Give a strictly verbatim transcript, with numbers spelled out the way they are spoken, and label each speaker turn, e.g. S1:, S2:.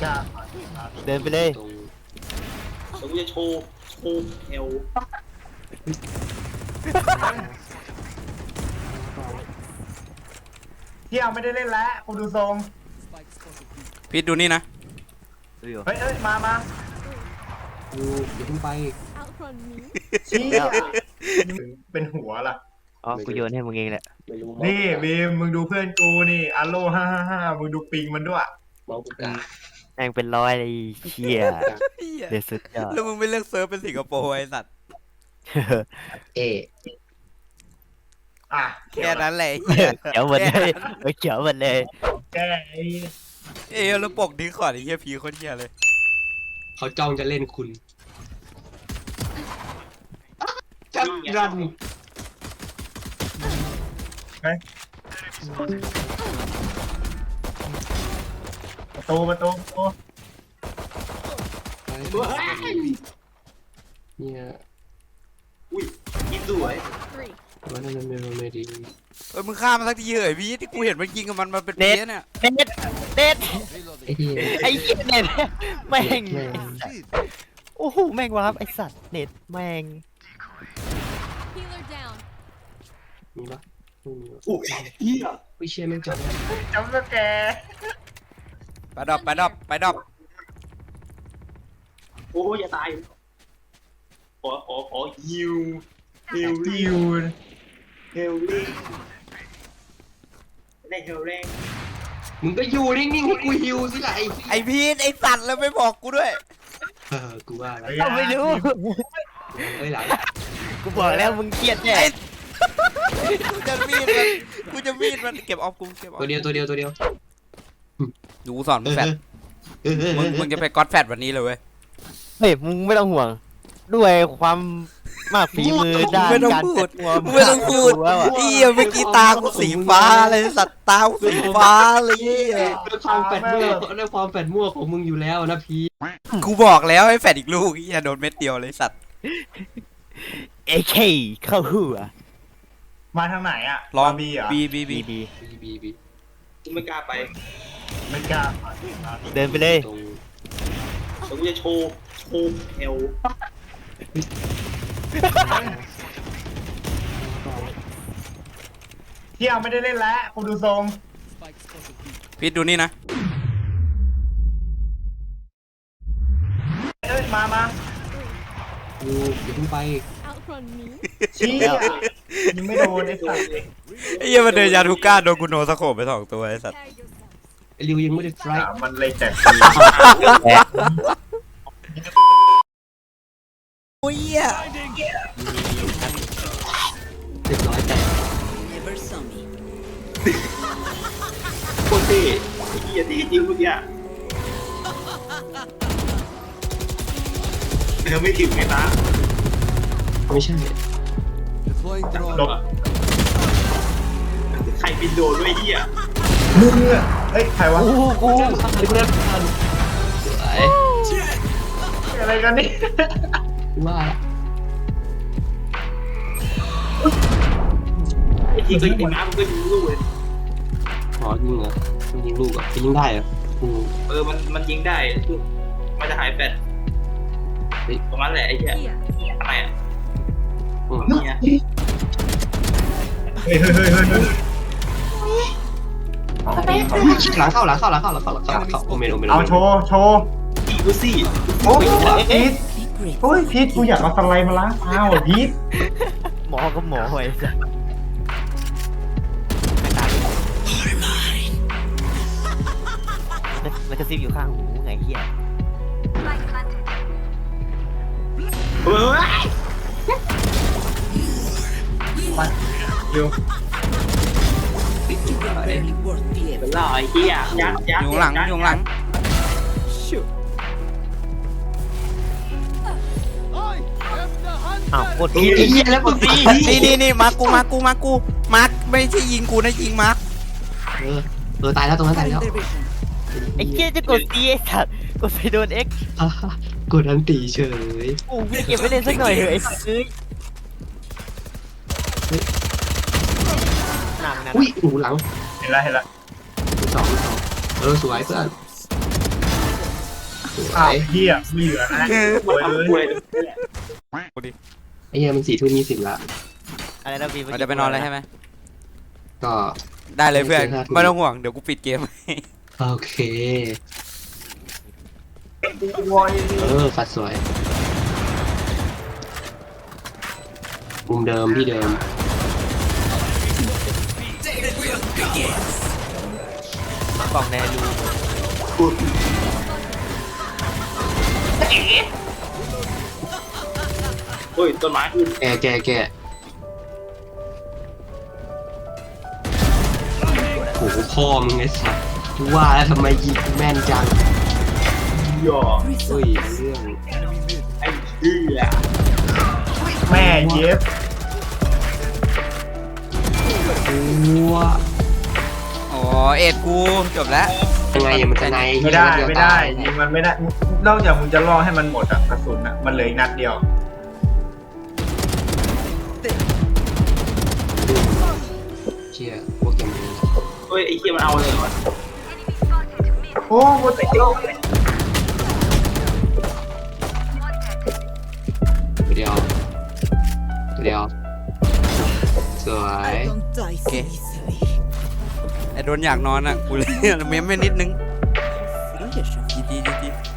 S1: กล้า
S2: เดินไปเลย
S3: ตรงตรงจะโชว์โชว์เอว
S1: เที่ยวไม่ได้เล่นแล้วกูดูทรง
S4: พีทดูนี่นะ
S2: ดูอยู่
S1: เฮ้ยเอ้ยมามา
S3: อยู่อย่าเพิ่งไป
S1: เชี้เป็นหัวล่ะ
S2: อ๋อกูโยนให้มึงเองแหละ
S3: ไม่รู้
S1: นี่บีมมึงดูเพื่อนกูนี่อัลโลห้าห้าห้ามึงดูปิงมันด้วย
S3: เมาส์กูกา
S2: แม่งเป็นร้อยเลยเชี่ยเดือดสุดยอด
S4: แล้วมึงไม่เลือกเซิร์ฟเป็นสิงคโปร์ไอ้สัตว์
S3: เอ
S1: อ่ะ
S4: แค่นั้นแหละเหี้ย
S2: เขียวหมดเลยเขียวหมดเลย
S1: แกไอ้
S4: เอ้ยแล้วปกดิ้งขอดไอ้เหี้ยพีโคนเหี้ยเลย
S3: เขาจ้องจะเล่นคุณจัดรัน
S1: ประตูประตูประตู
S3: เนี่ย
S5: อุ้ยกินสวย
S3: วันนั้นไม่รู้ไม่ดี
S4: เอ้ยมึงฆ่ามันสักทีเหยพีทที่กูเห็นมันยิงกับมันมาเป็นเพี้ยเนี่ย
S2: เน็ตเน็ต
S3: ไอ้ที่
S2: ไอ้เหี้ยเน็ตแม่ง
S3: แม่ง
S2: โอ้โหแม่งวะครับไอ้สัตว์เน็ตแม่ง
S6: Healer down.
S3: มีปะไม่มีวะ
S5: โอ้ยเฮีย
S3: ไม่เชื่อแม่งจับ
S1: จำสแก
S4: ไปดรอปไปดรอปไปดรอป
S5: โอ้ยอย่าตายขอขอขอฮิวฮิว
S1: ดิ
S5: ลิว
S1: ว
S5: ฮิวลิได้ฮิวแรง
S3: มึงก็อยู่นิ่งๆให้กูฮิวสิล่ะไอ้
S4: ไอพีทไอสัตว์แล้วไม่บอกกูด้วย
S3: เออกูว่าแล้ว
S2: เราไม่รู้
S3: เฮ้ยหลัง
S2: กูบอกแล้วมึงเครียดแน่
S4: กูจะมีดมันกูจะมีดมันเก็บออฟกูเก็บออฟ
S3: ตัวเดียวตัวเดียวตัวเดียว
S4: ดูกูสอนมึงแฟดมึงมึงจะไปก๊อตแฟดวันนี้เลยเว้ย
S2: เฮ้ยมึงไม่ต้องห่วง ด้วยความมากฝีมือด้าน
S4: ไม่ต้อง
S2: การ
S4: พูด
S2: จัดตัว
S4: ไม่ต้องพูด
S2: แล้วอะ
S4: เอี้ยเมื่อกี้ตากูสีฟ้าเลยสัตว์ตากูสีฟ้าเลยเหี้ย
S3: ด้วยความแปดมั่วด้วยความแปดมั่วของมึงอยู่แล้วนะพี่
S4: กูบอกแล้วให้แฟดอีกลูกเหี้ยโดนเม็ดเดียวเลยสัตว์
S2: เอเคเข้าหัว
S1: มาทางไหนอ่ะ
S4: ลอง
S1: มาบีเหรอ
S4: บีบีบี
S2: บีบี
S3: บีบีบี
S5: กูไม่กล้าไป
S1: ไม่กล้า
S2: เดินไปเลย
S3: ตรง
S5: ตรงจะโชว์โชว์เอว
S1: เที่ยวไม่ได้เล่นแล้วกูดูทรง
S4: พีทดูนี่นะ
S1: เอ้ยมามา
S3: อยู่อย่าเพิ่งไป
S6: Outrun me.
S1: เชี้ยังไม่โดนไอ้สัตว์
S4: ไอ้เหี้ยมันเดินยาทูก้าโดนกูโนสโคปไปสองตัวไอ้สัตว์
S6: Prepare yourself.
S3: ไอ้ริวยังไม่ได้ไฟ
S1: อ่ะมันเลยแจกฟรี
S4: โอ้ยเหี้ย
S3: เรียบร้อยแต่
S5: โคตรเท่ไอ้เฮียที่จริงเมื่อกี้เธอไม่ถึงไงตา
S3: ไม่ใช่
S1: หลบ
S5: ใครบินโดนด้วยเฮีย
S1: มึงอ่ะเฮ้ยใครวะ
S2: กูกู
S3: เรื่องอะไรกูเรื่องอะไรสวย
S1: อะไรกันนี่
S3: กูว่าละ
S5: ไอ้ที่ก็ยิงน้ำมันก็ยิงลูกเลย
S3: ขอยิงเหรอยิงลูกเหรอ่ะยิงได้เหรออืม
S5: เออมันมันยิงได้มันจะหายแฟดประมาณแหละไอ้เหี้ย
S6: Here.
S5: ทำไมอ่ะ
S3: อืม
S5: เนี่ย
S1: เฮ้ยเฮ้ยเฮ้ยเฮ้ยเฮ้ย
S3: หลังเข้าหลังเข้าหลังเข้าหลังเข้าหลังเข้าหลังเข้าโอเมนโอเมน
S1: เอาโชว์โชว์
S5: สี่ดูสี่
S1: โอ้ยพีทโอ้ยพีทกูอยากเอาสไลด์มาล้างเท้าอ่ะพีท
S2: หมอก็หมอไว้สัสมันกระซิบอยู่ข้างหูไงเหี้ย
S5: เฮ้ย
S1: ไปเร็ว
S5: เป็นล่อไอ้เหี้ยยัดยัด
S4: อยู่ข้างหลังอยู่ข้างหลัง
S2: อ้าวกด
S3: ไอ้
S2: ผิด
S3: เหี้ยแล้วมึง
S4: นี่นี่นี่มากูมากูมากูมาร์คไม่ใช่ยิงกูนะยิงมาร์ค
S3: เออเออตายแล้วตรงนั้นตายแล้ว
S2: ไอ้เหี้ยจะกดซีไอ้สัตว์กดไปโดนเอ็ก
S3: อ่ะกดอันตีเฉย
S2: โอ้ไม่เก็บไว้เล่นสักหน่อยเถอะไอ้สัตว์เอ้ยหนักนะ
S3: อุ้ยหูหลัง
S1: เห็นแล้วเห็นแล้ว
S3: สองสองเออสวยเพื่อน
S1: อ้าวเฮียไม่เหลือนะ
S5: มัน
S1: โวย
S5: ทำป่วย
S1: เลย
S5: เลย
S3: ไอ้เหี้ยมันสี่ทุ่มยี่สิบละ
S2: อะไรนะบี
S4: เราจะไปนอนแล้วใช่ไหม
S3: ก็
S4: ได้เลยเพื่อน
S3: เจอหน้าทุก
S4: ไม่ต้องห่วงเดี๋ยวกูปิดเกม
S3: โอเค
S1: โวย
S3: เออฟัดสวยมุมเดิมที่เดิม
S2: กล่องในรู
S5: เฮ้ยต้นไม้ขึ้น
S3: แกแกแกโอ้โหพ่อมึงไอ้สัสว่าแล้วทำไมยิงแม่นจัง
S5: หยอ
S3: เฮ้ยเรื่อง
S5: ไอ้เหี้ย
S1: แม่เย็บ
S3: ตัว
S4: อ๋อเอ็ดกูจบแล้ว
S3: ยังไงอะมันจะใน
S1: ไม่ได้
S3: เยว
S1: ไม่ได้
S3: ตาย
S1: ยิงมันไม่ได้นอกจากมึงจะล่อให้มันหมดอะกระสุนอะมันเหลืออีกนัดเดียว
S3: เชี่ยพวกแกมึง
S5: เฮ้ยไอ้เหี้ยมันเอาเลยวะ
S1: โอ้โหแต่เดียว
S3: เดียวเดียวสวย
S4: โอเคไอ้โดนอยากนอนอ่ะกูเลยเม้มไม่นิดนึงจีจีจีจี